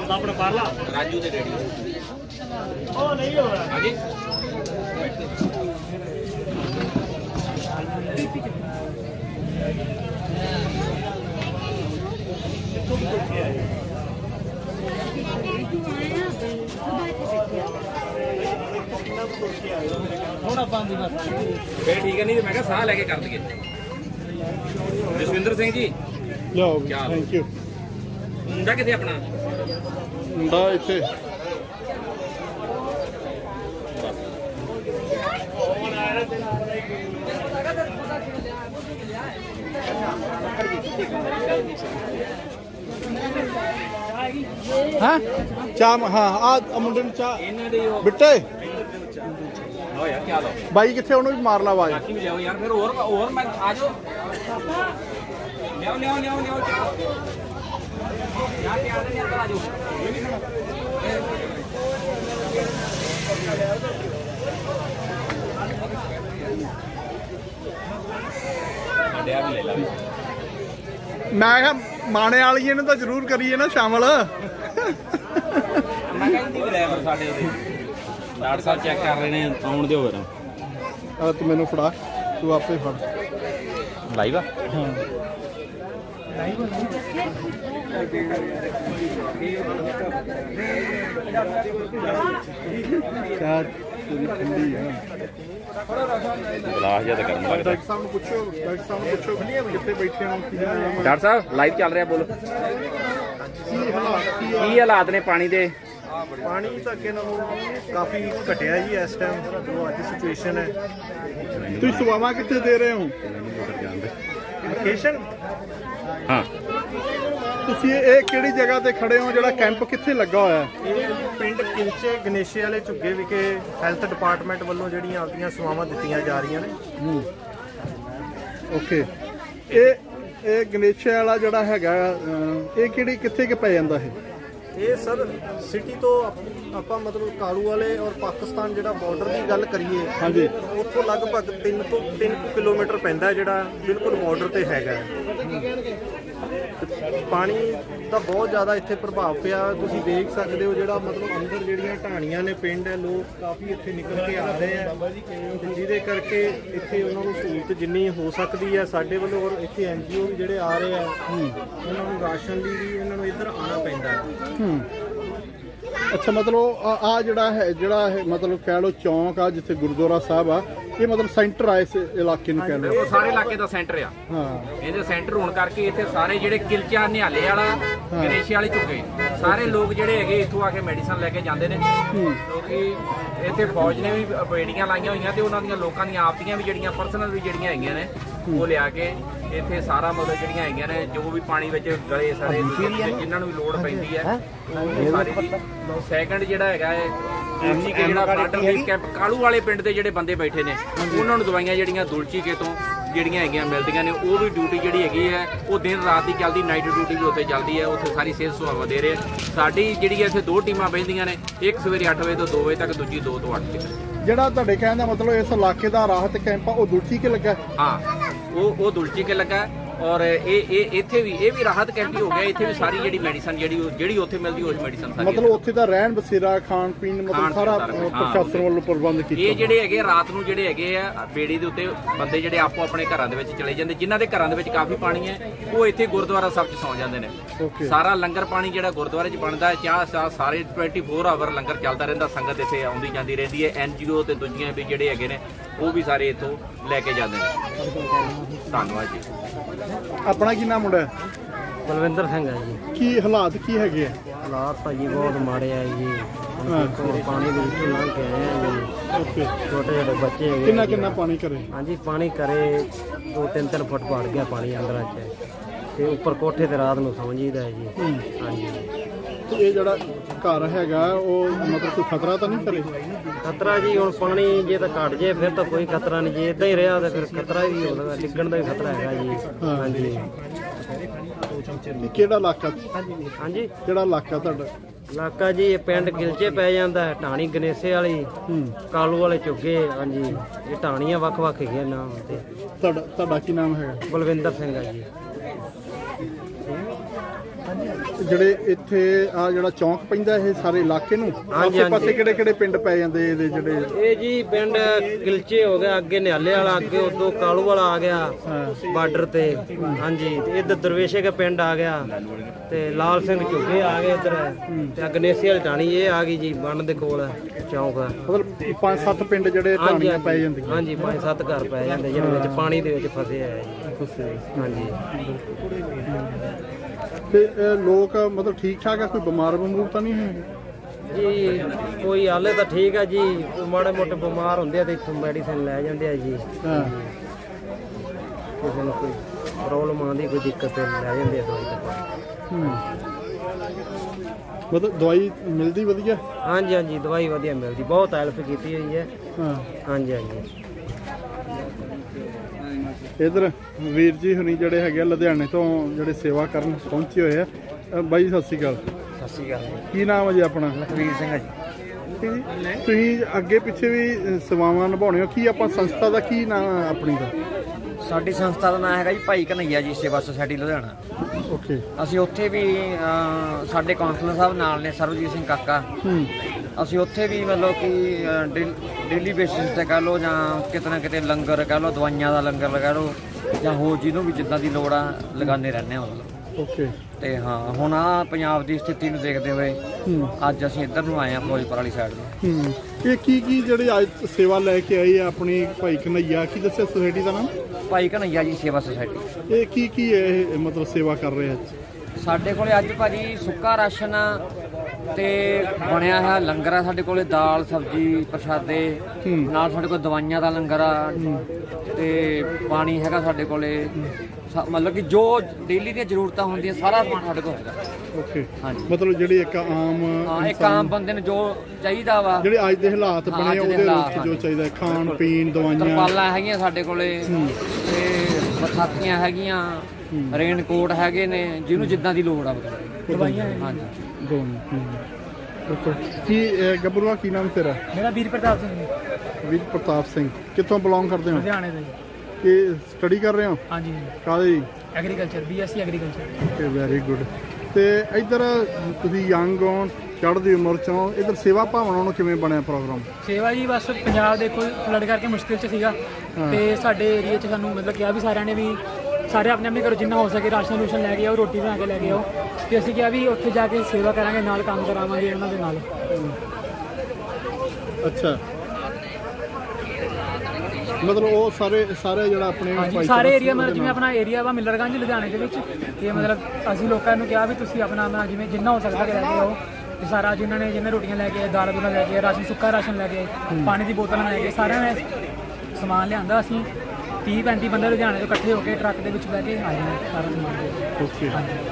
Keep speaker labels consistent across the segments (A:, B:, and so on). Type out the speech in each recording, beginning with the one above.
A: अपना पार्ला
B: राजू दे रेडी
A: ओ नहीं हो रहा
B: आगे
A: थोड़ा पानी बस
B: फिर ठीक है नहीं तो मैं कहा साह लेके कर दिए जसविंदर सिंह जी
C: ਲਿਆਓ
B: ਕਿਆ ਹਾਲ?
C: ਥੈਂਕ ਯੂ
B: मुंडा कितने अपना
C: ਮੁੰਡਾ ਇੱਥੇ ਹਾਂ ਚਾਹ ਹਾਂ ਆ ਮੁੰਡੇ ਨੂੰ ਚਾਹ
B: इन्हों दे हो
C: ਬਿੱਟੇ
B: यार क्या लो
C: ਬਾਈ ਕਿੱਥੇ ਉਹਨੂੰ ਵੀ ਮਾਰ ਲਾ ਆਵਾਜ਼
B: बाकी भी ले आओ यार फिर और मैं आ जाओ ले आओ ले आओ ले आओ ले आओ यहाँ पे आ जाओ अंदर आ जाओ डैब ले ला
C: ਮੈਂ ਕਿਹਾ ਮਾਣੇ ਵਾਲੀਏ ਨੂੰ ਤਾਂ ਜ਼ਰੂਰ ਕਰੀਏ ਨਾ ਸ਼ਾਮਲ
B: ਮੈਂ ਕਹਿੰਦੀ ਵੀ ਲੈ ਫਿਰ ਸਾਡੇ ਉਹਦੇ ਡਾਕਟਰ ਸਾਹਿਬ ਚੈੱਕ ਕਰ ਰਹੇ ਨੇ ਆਉਣ ਦਿਓ ਫਿਰ
C: ਆ ਤੂੰ ਮੈਨੂੰ ਫੜਾ ਤੂੰ ਆਪੇ ਫੜ
B: ਲਾਈਵ ਆ
C: ਹਾਂ ਚਾਹ ਪੂਰੀ ਠੰਡੀ ਆ
B: ਗਲਾਸ ਜਿਹਾ ਤਾਂ ਗਰਮ ਲੱਗਦਾ
C: ਡਾਕਟਰ ਸਾਹਿਬ ਨੂੰ ਪੁੱਛੋ ਕਿੱਥੇ ਬੈਠੇ ਹੋ ਕੀ ਹਾਲਾਤ
B: ਡਾਕਟਰ ਸਾਹਿਬ ਲਾਈਵ ਚੱਲ ਰਿਹਾ ਬੋਲੋ ਕੀ ਹਾਲਾਤ ਨੇ ਪਾਣੀ ਦੇ
D: ਪਾਣੀ ਤਾਂ ਅੱਗੇ ਨਾਲੋਂ ਕਾਫੀ ਘਟਿਆ ਜੀ ਇਸ ਟਾਈਮ ਜੋ ਅੱਜ ਸਿਚੁਏਸ਼ਨ ਹੈ
C: ਤੁਸੀਂ ਸੇਵਾਵਾਂ ਕਿੱਥੇ ਦੇ ਰਹੇ ਹੋ
D: ਲੋਕੇਸ਼ਨ
B: ਹਾਂ
C: ਤੁਸੀਂ ਇਹ ਕਿਹੜੀ ਜਗ੍ਹਾ ਤੇ ਖੜੇ ਹੋ ਜਿਹੜਾ ਕੈਂਪ ਕਿੱਥੇ ਲੱਗਾ ਹੋਇਆ ਹੈ
D: ਇਹ ਪਿੰਡ ਕਿਲਚੇ ਗਣੇਸ਼ੇ ਵਾਲੇ ਝੁੱਗੇ ਵਿਖੇ ਹੈਲਥ ਡਿਪਾਰਟਮੈਂਟ ਵੱਲੋਂ ਜਿਹੜੀਆਂ ਆਪਦੀਆਂ ਸੇਵਾਵਾਂ ਦਿੱਤੀਆਂ ਜਾ ਰਹੀਆਂ ਨੇ
C: ਓਕੇ ਇਹ ਗਣੇਸ਼ੇ ਵਾਲਾ ਜਿਹੜਾ ਹੈਗਾ ਇਹ ਕਿਹੜੀ ਕਿੱਥੇ ਕਿ ਪੈ ਜਾਂਦਾ ਹੈ
D: ਇਹ ਸਰ ਸਿਟੀ ਤੋਂ ਆਪਾਂ ਮਤਲਬ ਕਾਲੂ ਵਾਲੇ ਔਰ ਪਾਕਿਸਤਾਨ ਜਿਹੜਾ ਬਾਰਡਰ ਦੀ ਗੱਲ ਕਰੀਏ
C: ਹਾਂਜੀ
D: ਉੱਥੋਂ ਲਗਭਗ 3 ਕਿਲੋਮੀਟਰ ਪੈਂਦਾ ਜਿਹੜਾ ਬਿਲਕੁਲ ਬਾਰਡਰ ਤੇ ਹੈਗਾ ਪਾਣੀ ਦਾ ਬਹੁਤ ਜ਼ਿਆਦਾ ਇੱਥੇ ਪ੍ਰਭਾਵ ਪਿਆ ਤੁਸੀਂ ਦੇਖ ਸਕਦੇ ਹੋ ਜਿਹੜਾ ਮਤਲਬ ਅੰਦਰ ਜਿਹੜੀਆਂ ਢਾਣੀਆਂ ਨੇ ਪਿੰਡ ਹੈ ਲੋਕ ਕਾਫੀ ਇੱਥੇ ਨਿਕਲ ਕੇ ਆ ਰਹੇ ਆ ਤੇ ਜਿਹਦੇ ਕਰਕੇ ਇੱਥੇ ਉਹਨਾਂ ਨੂੰ ਸਹੂਲਤ ਜਿੰਨੀ ਹੋ ਸਕਦੀ ਹੈ ਸਾਡੇ ਵੱਲੋਂ ਔਰ ਇੱਥੇ ਐਨਜੀਓ ਵੀ ਜਿਹੜੇ ਆ ਰਹੇ ਆ ਉਹਨਾਂ ਨੂੰ ਰਾਸ਼ਨ ਲਈ ਵੀ ਇਹਨਾਂ ਨੂੰ ਇੱਧਰ ਆਉਣਾ ਪੈਂਦਾ ਹੈ
C: ਅੱਛਾ ਮਤਲਬ ਆ ਜਿਹੜਾ ਹੈ ਮਤਲਬ ਕਹਿ ਲਓ ਚੌਂਕ ਆ ਜਿੱਥੇ ਗੁਰਦੁਆਰਾ ਸਾਹਿਬ ਆ ਇਹ ਮਤਲਬ ਸੈਂਟਰ ਆ ਇਸ ਇਲਾਕੇ ਨੂੰ ਕਹਿ ਲਓ
B: ਉਹ ਸਾਰੇ ਇਲਾਕੇ ਦਾ ਸੈਂਟਰ ਆ
C: ਹਾਂ
B: ਇਹਦੇ ਸੈਂਟਰ ਹੋਣ ਕਰਕੇ ਇੱਥੇ ਸਾਰੇ ਜਿਹੜੇ ਕਿਲਚਾ ਨਿਹਾਲੇ ਵਾਲਾ ਗਣੇਸ਼ੇ ਵਾਲੇ ਝੁੱਗੇ ਸਾਰੇ ਲੋਕ ਜਿਹੜੇ ਹੈਗੇ ਇੱਥੋਂ ਆ ਕੇ ਮੈਡੀਸਨ ਲੈ ਕੇ ਜਾਂਦੇ ਨੇ ਕਿਉਂਕਿ ਇੱਥੇ ਫੌਜ ਨੇ ਵੀ ਬੇੜੀਆਂ ਲਾਈਆਂ ਹੋਈਆਂ ਤੇ ਉਹਨਾਂ ਦੀਆਂ ਲੋਕਾਂ ਦੀਆਂ ਆਪਦੀਆਂ ਵੀ ਜਿਹੜੀਆਂ ਪਰਸਨਲ ਵੀ ਜਿਹੜੀਆਂ ਹੈਗੀਆਂ ਨੇ ਉਹ ਲਿਆ ਕੇ ਇੱਥੇ ਸਾਰਾ ਮਤਲਬ ਜਿਹੜੀਆਂ ਹੈਗੀਆਂ ਨੇ ਜੋ ਵੀ ਪਾਣੀ ਵਿੱਚ ਗਲੇ ਸਾਰੇ ਜਿਨ੍ਹਾਂ ਨੂੰ ਵੀ ਲੋੜ ਪੈਂਦੀ ਹੈ ਉਹ ਸਾਰੀ ਸੈਕੰਡ ਜਿਹੜਾ ਹੈਗਾ ਹੈ ਐਮਸੀਕੇ ਜਿਹੜਾ ਫਰੰਟ ਰਿਲੀਫ ਕੈਂਪ ਕਾਲੂ ਵਾਲੇ ਪਿੰਡ ਦੇ ਜਿਹੜੇ ਬੰਦੇ ਬੈਠੇ ਨੇ ਉਹਨਾਂ ਨੂੰ ਦਵਾਈਆਂ ਜਿਹੜੀਆਂ ਦੁਲਚੀਕੇ ਤੋਂ ਜਿਹੜੀਆਂ ਹੈਗੀਆਂ ਮਿਲਦੀਆਂ ਨੇ ਉਹ ਵੀ ਡਿਊਟੀ ਜਿਹੜੀ ਹੈਗੀ ਹੈ ਉਹ ਦਿਨ ਰਾਤ ਦੀ ਚੱਲਦੀ ਨਾਈਟ ਡਿਊਟੀ ਵੀ ਉੱਥੇ ਚੱਲਦੀ ਹੈ ਉੱਥੇ ਸਾਰੀ ਸਿਹਤ ਸੁਆਵਾ ਦੇ ਰਹੇ ਸਾਡੀ ਜਿਹੜੀ ਇੱਥੇ 2 ਟੀਮਾਂ ਬਹਿੰਦੀਆਂ ਨੇ ਇੱਕ ਸਵੇਰੇ 8 ਵਜੇ ਤੋਂ 2 ਵਜੇ ਤੱਕ ਦੂਜੀ 2 ਤੋਂ 8 ਤੱਕ
C: ਜਿਹੜਾ ਤੁਹਾਡੇ ਕਹਿਣ ਦਾ ਮਤਲਬ ਇਸ ਇਲਾਕੇ ਦਾ ਰਾਹਤ ਕੈਂਪ ਆ ਉਹ ਦੁਲਚੀ ਕੇ ਲੱਗਾ
B: ਹਾਂ ਉਹ ਦੁਲਚੀਕੇ ਲੱਗਾ ਔਰ ਇਹ ਇੱਥੇ ਵੀ ਇਹ ਵੀ ਰਾਹਤ ਕੈਂਪ ਹੀ ਹੋ ਗਿਆ ਇੱਥੇ ਵੀ ਸਾਰੀ ਜਿਹੜੀ ਮੈਡੀਸਨ ਜਿਹੜੀ ਉੱਥੇ ਮਿਲਦੀ ਉਹ ਮੈਡੀਸਨ ਸਾਰੀ
C: ਮਤਲਬ ਉੱਥੇ ਦਾ ਰਹਿਣ ਬਸੇਰਾ ਖਾਣ ਪੀਣ ਮਤਲਬ ਸਾਰਾ ਪ੍ਰਸ਼ਾਸਨ ਵੱਲੋਂ ਪ੍ਰਬੰਧ ਕੀਤਾ
B: ਇਹ ਜਿਹੜੇ ਹੈਗੇ ਰਾਤ ਨੂੰ ਜਿਹੜੇ ਹੈਗੇ ਆ ਬੇੜੀ ਦੇ ਉੱਤੇ ਬੰਦੇ ਜਿਹੜੇ ਆਪੋ ਆਪਣੇ ਘਰਾਂ ਦੇ ਵਿੱਚ ਚਲੇ ਜਾਂਦੇ ਜਿਨ੍ਹਾਂ ਦੇ ਘਰਾਂ ਦੇ ਵਿੱਚ ਕਾਫੀ ਪਾਣੀ ਹੈ ਉਹ ਇੱਥੇ ਗੁਰਦੁਆਰਾ ਸਾਹਿਬ 'ਚ ਸੌਂ ਜਾਂਦੇ ਨੇ ਸਾਰਾ ਲੰਗਰ ਪਾਣੀ ਜਿਹੜਾ ਗੁਰਦੁਆਰੇ 'ਚ ਬਣਦਾ ਚਾਹ ਸਾਰੇ 24 ਆਵਰ ਲੰਗਰ ਚੱਲਦਾ ਰਹਿੰਦਾ ਸੰਗਤ ਇੱਥੇ ਆਉਂਦੀ ਜਾਂਦੀ ਰਹਿੰਦੀ ਹੈ ਐਨਜੀਓ ਤੇ ਦੂਜੀਆਂ ਵੀ ਜਿਹੜੇ ਹੈਗੇ ਨੇ ਉਹ ਵੀ ਸਾਰੇ ਇੱਥੋਂ ਲੈ ਕੇ ਜਾਂਦੇ ਨੇ ਧੰਨਵਾਦ ਜੀ
C: ਆਪਣਾ ਕੀ ਨਾਮ ਮੁੰਡਾ
E: ਬਲਵਿੰਦਰ ਸਿੰਘ ਹੈ ਜੀ
C: ਕੀ ਹਾਲਾਤ ਕੀ ਹੈਗੇ ਆ
E: ਹਾਲਾਤ ਭਾਜੀ ਬਹੁਤ ਮਾੜੇ ਆ ਜੀ ਹੁਣ ਪਾਣੀ ਦੇ ਵਿੱਚੋਂ ਲੰਘ ਕੇ ਆਏ ਆ ਜੀ
C: ਓਕੇ
E: ਛੋਟੇ ਛੋਟੇ ਬੱਚੇ ਹੈਗੇ
C: ਕਿੰਨਾ ਪਾਣੀ ਕਰੇ
E: ਹਾਂਜੀ ਪਾਣੀ ਕਰੇ 2-3 ਫੁੱਟ ਵੜ ਗਿਆ ਪਾਣੀ ਅੰਦਰਾਂ 'ਚ ਤੇ ਉੱਪਰ ਕੋਠੇ ਤੇ ਰਾਤ ਨੂੰ ਸੌਂ ਜੀਦਾ ਹੈ ਜੀ ਹਾਂਜੀ
C: ਤੇ ਇਹ ਜਿਹੜਾ ਘਰ ਹੈਗਾ ਉਹ ਮਤਲਬ ਕੋਈ ਖਤਰਾ ਤਾਂ ਨਹੀਂ ਕਰੇ
E: ਖਤਰਾ ਜੀ ਹੁਣ ਪਾਣੀ ਜੇ ਤਾਂ ਘਟ ਜੇ ਫਿਰ ਤਾਂ ਕੋਈ ਖਤਰਾ ਨਹੀਂ ਜੇ ਇਦਾਂ ਹੀ ਰਿਹਾ ਤਾਂ ਫਿਰ ਖਤਰਾ ਵੀ ਹੋਣਾ ਡਿੱਗਣ ਦਾ ਵੀ ਖਤਰਾ ਹੈਗਾ ਜੀ ਹਾਂਜੀ
C: ਇਹ ਕਿਹੜਾ ਇਲਾਕਾ
E: ਹਾਂਜੀ
C: ਕਿਹੜਾ ਇਲਾਕਾ ਤੁਹਾਡਾ
E: ਇਲਾਕਾ ਜੀ ਇਹ ਪਿੰਡ ਗਿਲਚੇ ਪੈ ਜਾਂਦਾ ਹੈ ਢਾਣੀ ਗਣੇਸ਼ੇ ਵਾਲੀ ਕਾਲੂ ਵਾਲੇ ਝੁੱਗੇ ਹਾਂਜੀ ਇਹ ਢਾਣੀਆਂ ਵੱਖ-ਵੱਖ ਹੈਗੀਆਂ ਨਾਮ ਤੇ
C: ਤੁਹਾਡਾ ਕੀ ਨਾਮ ਹੈਗਾ
E: ਬਲਵਿੰਦਰ ਸਿੰਘ ਹੈ ਜੀ
C: ਜਿਹੜੇ ਇੱਥੇ ਆ ਜਿਹੜਾ ਚੌਂਕ ਪੈਂਦਾ ਇਹ ਸਾਰੇ ਇਲਾਕੇ ਨੂੰ
E: ਹਾਂਜੀ,
C: ਆਸੇ ਪਾਸੇ ਕਿਹੜੇ ਕਿਹੜੇ ਪਿੰਡ ਪੈ ਜਾਂਦੇ ਇਹਦੇ ਜਿਹੜੇ
E: ਇਹ ਜੀ ਪਿੰਡ ਗਿਲਚੇ ਹੋ ਗਿਆ, ਅੱਗੇ ਨਿਹਾਲੇ ਵਾਲਾ, ਅੱਗੇ ਉਦੋਂ ਕਾਲੂ ਵਾਲਾ ਆ ਗਿਆ ਬਾਰਡਰ ਤੇ। ਹਾਂਜੀ, ਤੇ ਇੱਧਰ ਦਰਵੇਸ਼ੇ ਦਾ ਪਿੰਡ ਆ ਗਿਆ, ਤੇ ਲਾਲ ਸਿੰਘ ਝੁੱਗੇ ਆ ਗਏ ਇੱਧਰ, ਤੇ ਗਨੇਸੀ ਵਾਲੀ ਢਾਣੀ ਇਹ ਆ ਗਈ ਜੀ ਬੰਨ ਦੇ ਕੋਲ ਚੌਂਕ ਆ।
C: ਮਤਲਬ 5-7 ਪਿੰਡ ਜਿਹੜੇ ਢਾਣੀਆਂ ਪੈ ਜਾਂਦੀਆਂ।
E: ਹਾਂਜੀ 5-7 ਘਰ ਪੈ ਜਾਂਦੇ ਜਿਹੜੇ ਵਿੱਚ ਪਾਣੀ ਦੇ ਵਿੱਚ ਫਸੇ ਆ ਜੀ। ਹਾਂਜੀ
C: ਤੇ ਲੋਕ ਮਤਲਬ ਠੀਕ ਠਾਕ ਆ, ਕੋਈ ਬਿਮਾਰ ਤਾਂ ਨਹੀਂ ਹੈ
E: ਜੀ? ਕੋਈ ਹਾਲੇ ਤਾਂ ਠੀਕ ਆ ਜੀ, ਮਾੜੇ ਮੋਟੇ ਬਿਮਾਰ ਹੁੰਦੇ ਆ ਤੇ ਇੱਥੋਂ ਮੈਡੀਸਿਨ ਲੈ ਜਾਂਦੇ ਆ ਜੀ।
C: ਹਾਂ,
E: ਕਿਸੇ ਨੂੰ ਕੋਈ ਪ੍ਰੋਬਲਮ ਆਉਂਦੀ, ਕੋਈ ਦਿੱਕਤ ਤੇ ਲੈ ਜਾਂਦੇ ਆ ਦਵਾਈ ਤਾਂ।
C: ਮਤਲਬ ਦਵਾਈ ਮਿਲਦੀ ਵਧੀਆ?
E: ਹਾਂਜੀ ਹਾਂਜੀ ਦਵਾਈ ਵਧੀਆ ਮਿਲਦੀ, ਬਹੁਤ ਹੈਲਪ ਕੀਤੀ ਹੋਈ ਹੈ।
C: ਹਾਂ,
E: ਹਾਂਜੀ ਹਾਂਜੀ।
C: ਇਧਰ ਵੀਰ ਜੀ ਹੁਣੀ ਜਿਹੜੇ ਹੈਗੇ ਆ ਲੁਧਿਆਣੇ ਤੋਂ ਜਿਹੜੇ ਸੇਵਾ ਕਰਨ ਪਹੁੰਚੇ ਹੋਏ ਆ। ਬਾਈ ਸਤਿ ਸ਼੍ਰੀ ਅਕਾਲ।
E: ਸਤਿ ਸ਼੍ਰੀ ਅਕਾਲ ਜੀ।
C: ਕੀ ਨਾਮ ਹੈ ਜੀ ਆਪਣਾ?
E: ਲਖਵੀਰ ਸਿੰਘ ਹੈ ਜੀ।
C: ਤੁਸੀਂ ਅੱਗੇ ਪਿੱਛੇ ਵੀ ਸੇਵਾਵਾਂ ਨਿਭਾਉਣੇ ਹੋ, ਕੀ ਆਪਾਂ ਸੰਸਥਾ ਦਾ ਕੀ ਨਾਮ ਹੈ ਆਪਣੀ ਦਾ?
F: ਸਾਡੀ ਸੰਸਥਾ ਦਾ ਨਾਮ ਹੈਗਾ ਜੀ ਭਾਈ ਕਨਈਆ ਜੀ ਸੇਵਾ ਸੁਸਾਇਟੀ ਲੁਧਿਆਣਾ।
C: ਓਕੇ।
F: ਅਸੀਂ ਉੱਥੇ ਵੀ ਸਾਡੇ ਕਾਉਂਸਲਰ ਸਾਹਿਬ ਨਾਲ ਨੇ, ਸਰਬਜੀਤ ਸਿੰਘ ਕਾਕਾ। ਅਸੀਂ ਉੱਥੇ ਵੀ ਮਤਲਬ ਕਿ ਡੇਲੀ ਬੇਸਿਸ ਤੇ ਕਹਿ ਲਓ, ਜਾਂ ਕਿਤੇ ਨਾ ਕਿਤੇ ਲੰਗਰ ਕਹਿ ਲਓ, ਦਵਾਈਆਂ ਦਾ ਲੰਗਰ ਲਗਾ ਲਓ, ਜਾਂ ਹੋਰ ਜਿਹਨੂੰ ਵੀ ਜਿੱਦਾਂ ਦੀ ਲੋੜ ਆ ਲਗਾਉਂਦੇ ਰਹਿੰਦੇ ਹਾਂ ਮਤਲਬ।
C: ਓਕੇ।
F: ਤੇ ਹਾਂ, ਹੁਣ ਆ ਪੰਜਾਬ ਦੀ ਸਥਿਤੀ ਨੂੰ ਦੇਖਦੇ ਹੋਏ ਅੱਜ ਅਸੀਂ ਇੱਧਰ ਨੂੰ ਆਏ ਹਾਂ, ਫਿਰੋਜ਼ਪੁਰ ਵਾਲੀ ਸਾਈਡ ਨੂੰ।
C: ਇਹ ਕੀ ਜਿਹੜੇ ਅੱਜ ਸੇਵਾ ਲੈ ਕੇ ਆਏ ਆ ਆਪਣੀ ਭਾਈ ਕਨਈਆ, ਕੀ ਦੱਸਿਆ ਸੁਸਾਇਟੀ ਦਾ ਨਾਮ?
F: ਭਾਈ ਕਨਈਆ ਜੀ ਸੇਵਾ ਸੁਸਾਇਟੀ।
C: ਇਹ ਕੀ ਹੈ ਇਹ ਮਤਲਬ ਸੇਵਾ ਕਰ ਰਹੇ ਆ?
F: ਸਾਡੇ ਕੋਲੇ ਅੱਜ ਭਾਜੀ ਸੁੱਕਾ ਰਾਸ਼ਨ ਤੇ ਬਣਿਆ ਹੈ ਲੰਗਰ ਆ ਸਾਡੇ ਕੋਲੇ, ਦਾਲ ਸਬਜ਼ੀ ਪ੍ਰਸ਼ਾਦੇ ਨਾਲ, ਸਾਡੇ ਕੋਲ ਦਵਾਈਆਂ ਦਾ ਲੰਗਰ ਆ, ਤੇ ਪਾਣੀ ਹੈਗਾ ਸਾਡੇ ਕੋਲੇ। ਮਤਲਬ ਕਿ ਜੋ ਡੇਲੀ ਦੀਆਂ ਜ਼ਰੂਰਤਾਂ ਹੁੰਦੀਆਂ ਸਾਰਾ ਸਮਾਨ ਸਾਡੇ ਕੋਲ ਹੈਗਾ।
C: ਓਕੇ।
F: ਹਾਂਜੀ।
C: ਮਤਲਬ ਜਿਹੜੀ ਇੱਕ ਆਮ
F: ਹਾਂ, ਇੱਕ ਆਮ ਬੰਦੇ ਨੂੰ ਜੋ ਚਾਹੀਦਾ ਵਾ,
C: ਜਿਹੜੇ ਅੱਜ ਦੇ ਹਾਲਾਤ ਬਣੇ
F: ਅੱਜ ਦੇ
C: ਉਹਦੇ ਵਿੱਚ
F: ਹਾਲਾਤ,
C: ਜੋ ਚਾਹੀਦਾ, ਖਾਣ ਪੀਣ, ਦਵਾਈਆਂ,
F: ਤਰਪਾਲਾਂ ਹੈਗੀਆਂ ਸਾਡੇ ਕੋਲੇ, ਤੇ ਬਰਸਾਤੀਆਂ ਹੈਗੀਆਂ, ਰੇਨਕੋਟ ਹੈਗੇ ਨੇ, ਜਿਹਨੂੰ ਜਿੱਦਾਂ ਦੀ ਲੋੜ ਆ ਮਤਲਬ।
C: ਦਵਾਈਆਂ।
F: ਹਾਂਜੀ
C: ਦੋਨੋਂ। ਓਕੇ। ਕੀ ਗੱਭਰੂਆ ਕੀ ਨਾਮ ਤੇਰਾ?
A: ਮੇਰਾ ਵੀਰ ਪ੍ਰਤਾਪ ਸਿੰਘ।
C: ਵੀਰ ਪ੍ਰਤਾਪ ਸਿੰਘ। ਕਿੱਥੋਂ ਬਿਲੋਂਗ ਕਰਦੇ ਹੋ?
A: ਲੁਧਿਆਣੇ ਤੋਂ।
C: ਕੀ ਸਟੱਡੀ ਕਰ ਰਹੇ ਹੋ?
A: ਹਾਂਜੀ,
C: ਕਾਹਦੀ?
A: Agriculture, BSc agriculture.
C: Okay, very good. ਤੇ ਇੱਧਰ ਤੁਸੀਂ ਯੰਗ ਹੋ, ਚੜ੍ਹਦੀ ਉਮਰ ਚੋਂ, ਇੱਧਰ ਸੇਵਾ ਭਾਵਨਾ ਨੂੰ ਕਿਵੇਂ ਬਣਿਆ ਪ੍ਰੋਗਰਾਮ?
A: ਸੇਵਾ ਜੀ ਬਸ ਪੰਜਾਬ ਦੇਖੋ ਫਲੱਡ ਕਰਕੇ ਮੁਸ਼ਕਿਲ 'ਚ ਸੀਗਾ, ਤੇ ਸਾਡੇ ਏਰੀਆ 'ਚ ਸਾਨੂੰ ਮਤਲਬ ਕਿਹਾ ਵੀ ਸਾਰਿਆਂ ਨੇ ਵੀ ਸਾਰੇ ਆਪਣੇ ਆਪਣੇ ਘਰੋਂ ਜਿੰਨਾ ਹੋ ਸਕੇ ਰਾਸ਼ਨ ਰੂਸ਼ਨ ਲੈ ਕੇ ਆਓ, ਰੋਟੀ ਬਣਾ ਕੇ ਲੈ ਕੇ ਆਓ, ਤੇ ਅਸੀਂ ਕਿਹਾ ਵੀ ਉੱਥੇ ਜਾ ਕੇ ਸੇਵਾ ਕਰਾਂਗੇ, ਨਾਲ ਕੰਮ ਕਰਾਵਾਂਗੇ ਉਹਨਾਂ ਦੇ ਨਾਲ।
C: ਅੱਛਾ, ਮਤਲਬ ਉਹ ਸਾਰੇ ਜਿਹੜਾ ਆਪਣੇ
A: ਹਾਂਜੀ ਸਾਰੇ ਏਰੀਆ, ਮਤਲਬ ਜਿਵੇਂ ਆਪਣਾ ਏਰੀਆ ਵਾ ਮਿਲਰਗੰਜ ਲੁਧਿਆਣੇ ਦੇ ਵਿੱਚ, ਤੇ ਮਤਲਬ ਅਸੀਂ ਲੋਕਾਂ ਨੂੰ ਕਿਹਾ ਵੀ ਤੁਸੀਂ ਆਪਣਾ ਜਿਵੇਂ ਜਿੰਨਾ ਹੋ ਸਕਦਾ ਲੈ ਕੇ ਆਓ, ਤੇ ਸਾਰਾ ਜਿਹਨੇ ਰੋਟੀਆਂ ਲੈ ਕੇ ਆਏ, ਦਾਲ ਦੂਲਾਂ ਲੈ ਕੇ ਆਏ, ਰਾਸ਼ਨ ਸੁੱਕਾ ਰਾਸ਼ਨ ਲੈ ਕੇ ਆਏ, ਪਾਣੀ ਦੀ ਬੋਤਲਾਂ ਲੈ ਕੇ, ਸਾਰਿਆਂ ਨੇ ਸਮਾਨ ਲਿਆਂਦਾ। ਅਸੀਂ 30-35 ਬੰਦੇ ਲੁਧਿਆਣੇ ਤੋਂ ਇਕੱਠੇ ਹੋ ਕੇ ਟਰੱਕ ਦੇ ਵਿੱਚ ਬਹਿ ਕੇ ਆਏ ਹਾਂ ਸਾਰਾ ਸਮਾਨ।
C: ਓਕੇ।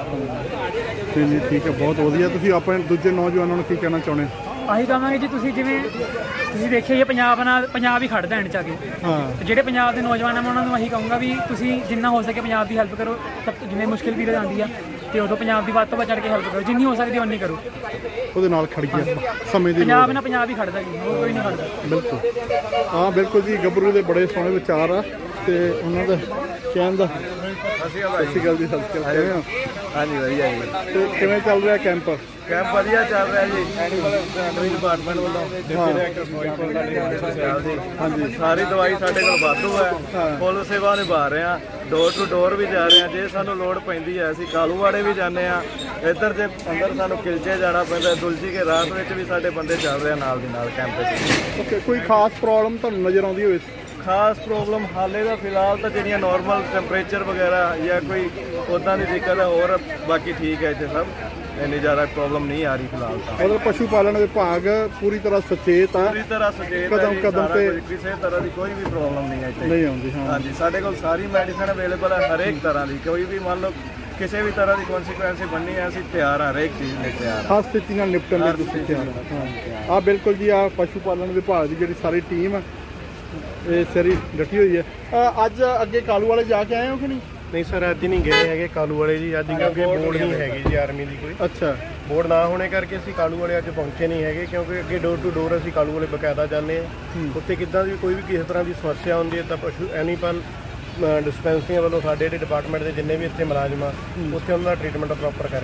C: ਨਹੀਂ ਠੀਕ ਹੈ, ਬਹੁਤ ਵਧੀਆ। ਤੁਸੀਂ ਆਪਣੇ ਦੂਜੇ ਨੌਜਵਾਨਾਂ ਨੂੰ ਕੀ ਕਹਿਣਾ ਚਾਹੁੰਦੇ ਹੋ?
A: ਆਹੀ ਕਹਾਂਗੇ ਜੀ, ਤੁਸੀਂ ਜਿਵੇਂ ਤੁਸੀਂ ਦੇਖਿਆ ਹੀ ਪੰਜਾਬ ਹੀ ਖੜਦਾ ਐਂਡ 'ਚ ਆ ਕੇ।
C: ਹਾਂ।
A: ਤੇ ਜਿਹੜੇ ਪੰਜਾਬ ਦੇ ਨੌਜਵਾਨ ਆ ਮੈਂ ਉਹਨਾਂ ਨੂੰ ਇਹੀ ਕਹੂੰਗਾ ਵੀ ਤੁਸੀਂ ਜਿੰਨਾ ਹੋ ਸਕੇ ਪੰਜਾਬ ਦੀ ਹੈਲਪ ਕਰੋ। ਜਿਵੇਂ ਮੁਸ਼ਕਿਲ ਪੀਰੀਅਡ ਆਉਂਦੀ ਆ, ਤੇ ਉਦੋਂ ਪੰਜਾਬ ਦੀ ਵੱਧ ਤੋਂ ਵੱਧ ਚੜ੍ਹ ਕੇ ਹੈਲਪ ਕਰੋ, ਜਿੰਨੀ ਹੋ ਸਕਦੀ ਓਨੀ ਕਰੋ।
C: ਉਹਦੇ ਨਾਲ ਖੜ ਗਿਆ ਸਮੇਂ ਦੀ
A: ਪੰਜਾਬ ਨਾਲ ਪੰਜਾਬ ਹੀ ਖੜਦਾ ਜੀ, ਹੋਰ ਕੋਈ ਨਹੀਂ ਖੜਦਾ।
C: ਬਿਲਕੁਲ। ਹਾਂ ਬਿਲਕੁਲ ਜੀ, ਗੱਭਰੂ ਦੇ ਬੜੇ ਸੋਹਣੇ ਵਿਚਾਰ ਆ, ਤੇ ਉਹਨਾਂ ਦਾ ਕਹਿਣ ਦਾ। ਸਤਿ ਸ਼੍ਰੀ ਅਕਾਲ ਜੀ। ਸਤਿ ਸ਼੍ਰੀ ਅਕਾਲ। ਕਿਵੇਂ ਹੋ?
D: ਹਾਂਜੀ ਵਧੀਆ ਜੀ।
C: ਤੇ ਕਿਵੇਂ ਚੱਲ ਰਿਹਾ ਕੈਂਪ?
D: ਕੈਂਪ ਵਧੀਆ ਚੱਲ ਰਿਹਾ ਜੀ। ਐਗਰੀ ਡਿਪਾਰਟਮੈਂਟ ਵੱਲੋਂ ਡਿਪਟੀ ਡਾਇਰੈਕਟਰ ਫਿਰੋਜ਼ਪੁਰ ਦਾ। ਹਾਂਜੀ, ਸਾਰੀ ਦਵਾਈ ਸਾਡੇ ਕੋਲ ਵਾਧੂ ਹੈ, ਫੁੱਲ ਸੇਵਾ ਨਿਭਾ ਰਹੇ ਹਾਂ, ਡੋਰ ਟੂ ਡੋਰ ਵੀ ਜਾ ਰਹੇ ਹਾਂ। ਜੇ ਸਾਨੂੰ ਲੋੜ ਪੈਂਦੀ ਹੈ ਅਸੀਂ ਕਾਲੂਵਾੜੇ ਵੀ ਜਾਂਦੇ ਹਾਂ, ਇੱਧਰ ਜੇ ਅੰਦਰ ਸਾਨੂੰ ਕਿਲਚੇ ਜਾਣਾ ਪੈਂਦਾ, ਦੁਲਜੀ ਕੇ ਰਾਤ ਵਿੱਚ ਵੀ ਸਾਡੇ ਬੰਦੇ ਚੱਲ ਰਹੇ ਆ ਨਾਲ ਦੀ ਨਾਲ ਕੈਂਪ ਵਿੱਚ।
C: ਓਕੇ। ਕੋਈ ਖਾਸ ਪ੍ਰੋਬਲਮ ਤੁਹਾਨੂੰ ਨਜ਼ਰ ਆਉਂਦੀ ਹੋਵੇ?
D: ਖਾਸ ਪ੍ਰੋਬਲਮ ਹਾਲੇ ਦਾ ਫਿਲਹਾਲ ਤਾਂ ਜਿਹੜੀਆਂ ਨਾਰਮਲ ਟੈਂਪਰੇਚਰ ਵਗੈਰਾ ਜਾਂ ਕੋਈ ਉੱਦਾਂ ਦੀ ਦਿੱਕਤ ਹੈ, ਹੋਰ ਬਾਕੀ ਠੀਕ ਹੈ ਇੱਥੇ ਸਭ, ਇੰਨੀ ਜ਼ਿਆਦਾ ਪ੍ਰੋਬਲਮ ਨਹੀਂ ਆ ਰਹੀ ਫਿਲਹਾਲ ਤਾਂ।
C: ਮਤਲਬ ਪਸ਼ੂ ਪਾਲਣ ਵਿਭਾਗ ਪੂਰੀ ਤਰ੍ਹਾਂ ਸੁਚੇਤ ਆ,
D: ਪੂਰੀ ਤਰ੍ਹਾਂ ਸੁਚੇਤ ਹੈ ਜੀ,
C: ਕਦਮ ਤੇ
D: ਕਿਸੇ ਤਰ੍ਹਾਂ ਦੀ ਕੋਈ ਵੀ ਪ੍ਰੋਬਲਮ ਨਹੀਂ ਹੈ ਇੱਥੇ।
C: ਨਹੀਂ ਆਉਂਦੀ। ਹਾਂ
D: ਹਾਂਜੀ, ਸਾਡੇ ਕੋਲ ਸਾਰੀ ਮੈਡੀਸਨ ਅਵੇਲੇਬਲ ਹੈ, ਹਰੇਕ ਤਰ੍ਹਾਂ ਦੀ। ਕੋਈ ਵੀ ਮੰਨ ਲਓ ਕਿਸੇ ਵੀ ਤਰ੍ਹਾਂ ਦੀ ਕਨਸੀਕੁਐਂਸ ਬਣਨੀ ਹੈ, ਅਸੀਂ ਤਿਆਰ ਹਾਂ, ਹਰੇਕ ਚੀਜ਼ ਲਈ ਤਿਆਰ ਹਾਂ।
C: ਹਰ ਸਥਿਤੀ ਨਾਲ ਨਿਪਟਣ ਲਈ ਤੁਸੀਂ ਤਿਆਰ ਹੋ। ਹਾਂ ਬਿਲਕੁਲ ਜੀ। ਆ ਪਸ਼ੂ ਪਾਲਣ ਵਿਭਾਗ ਦੀ ਜਿਹੜੀ ਸਾਰੀ ਟੀਮ ਆ, ਇਹ ਸਾਰੀ ਡਟੀ ਹੋਈ ਹੈ। ਅੱਜ ਅੱਗੇ ਕਾਲੂ ਵਾਲੇ ਜਾ ਕੇ ਆਏ ਹੋ ਕਿ ਨਹੀਂ?
G: ਨਹੀਂ ਸਰ, ਅੱਜ ਨਹੀਂ ਗਏ ਹੈਗੇ ਕਾਲੂ ਵਾਲੇ ਜੀ, ਅੱਜ ਕਿਉਂਕਿ ਬੋਰਡ ਨਹੀਂ ਹੈਗੀ ਜੀ ਆਰਮੀ ਦੀ ਕੋਈ।
C: ਅੱਛਾ।
G: ਬੋਰਡ ਨਾ ਹੋਣੇ ਕਰਕੇ ਅਸੀਂ ਕਾਲੂ ਵਾਲੇ ਅੱਜ ਪਹੁੰਚੇ ਨਹੀਂ ਹੈਗੇ, ਕਿਉਂਕਿ ਅੱਗੇ ਡੋਰ ਟੂ ਡੋਰ ਅਸੀਂ ਕਾਲੂ ਵਾਲੇ ਬਕਾਇਦਾ ਜਾਂਦੇ ਹਾਂ। ਉੱਥੇ ਕਿੱਦਾਂ ਦੀ ਕੋਈ ਵੀ ਕਿਸੇ ਤਰ੍ਹਾਂ ਦੀ ਸਮੱਸਿਆ ਹੁੰਦੀ ਹੈ ਤਾਂ ਪਸ਼ੂ ਐਨੀਮਲ ਡਿਸਪੈਂਸਰੀਆਂ ਵੱਲੋਂ ਸਾਡੇ ਜਿਹੜੇ ਡਿਪਾਰਟਮੈਂਟ ਦੇ ਜਿੰਨੇ ਵੀ ਇੱਥੇ ਮੁਲਾਜ਼ਮ ਆ, ਉੱਥੇ ਉਹਨਾਂ ਦਾ ਟ੍ਰੀਟਮੈਂਟ ਪ੍ਰੋਪਰ ਕਰਕੇ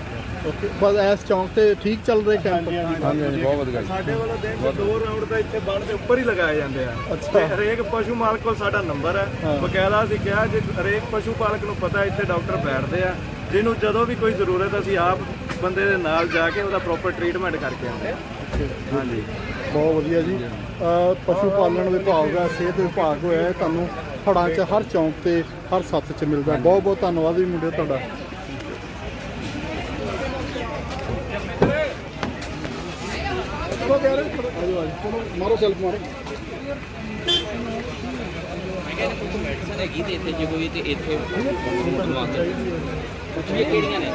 C: ਓਕੇ ਬਸ ਇਸ ਚੌਂਕ ਤੇ ਠੀਕ ਚੱਲ ਰਹੇ ਕੈਂਪ?
G: ਸਾਡੇ ਵੱਲੋਂ ਦਿਨ ਦੇ 2 ਰਾਊਂਡ ਤਾਂ ਇੱਥੇ ਬੰਨ ਦੇ ਉੱਪਰ ਹੀ ਲਗਾਏ ਜਾਂਦੇ ਆ। ਤੇ ਹਰੇਕ ਪਸ਼ੂ ਮਾਲਕ ਕੋਲ ਸਾਡਾ ਨੰਬਰ ਹੈ, ਬਕਾਇਦਾ ਅਸੀਂ ਕਿਹਾ ਜੇ ਹਰੇਕ ਪਸ਼ੂ ਪਾਲਕ ਨੂੰ ਪਤਾ ਇੱਥੇ ਡਾਕਟਰ ਬੈਠਦੇ ਆ, ਜਿਹਨੂੰ ਜਦੋਂ ਵੀ ਕੋਈ ਜ਼ਰੂਰਤ ਅਸੀਂ ਆਪ ਬੰਦੇ ਦੇ ਨਾਲ ਜਾ ਕੇ ਉਹਦਾ ਪ੍ਰੋਪਰ ਟ੍ਰੀਟਮੈਂਟ ਕਰਕੇ ਆਉਂਦੇ ਆ। ਹਾਂਜੀ,
C: ਬਹੁਤ ਵਧੀਆ ਜੀ। ਪਸ਼ੂ ਪਾਲਣ ਵਿਭਾਗ ਦਾ ਸਿਹਤ ਵਿਭਾਗ ਹੋਇਆ ਹੈ, ਤੁਹਾਨੂੰ ਹੜਾਂ 'ਚ ਹਰ ਚੌਂਕ ਤੇ ਹਰ ਸੱਥ 'ਚ ਮਿਲਦਾ। ਬਹੁਤ ਬਹੁਤ ਧੰਨਵਾਦ ਜੀ ਮੁੰਡੇ ਤੁਹਾਡਾ। ਮਾਰੋ ਸੈਲਫ ਮਾਰੋ।
B: ਮੈਡੀਸਨ ਹੈਗੀ ਤੇ ਇੱਥੇ ਜੇ ਕੋਈ ਤੇ ਇੱਥੇ ਬਣਵਾਉਂਦੇ ਇਹ ਕਿਹੜੀਆਂ ਨੇ?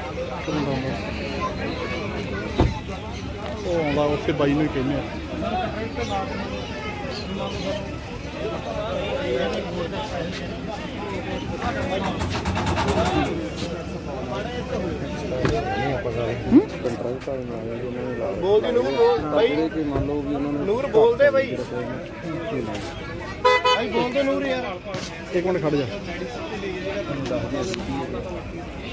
C: ਉਹ ਆਉਂਦਾ ਉਸੇ ਬਾਈ ਨੂੰ ਹੀ ਕਹਿੰਦੇ ਆ।
G: ਬੋਲਦੀ ਨੂਰ ਬੋਲ ਬਾਈ, ਨੂਰ ਬੋਲਦੇ ਬਾਈ, ਬਾਈ ਬੋਲਦੇ ਨੂਰ ਯਾਰ।
C: ਇੱਕ ਮਿੰਟ ਖੜ ਜਾ।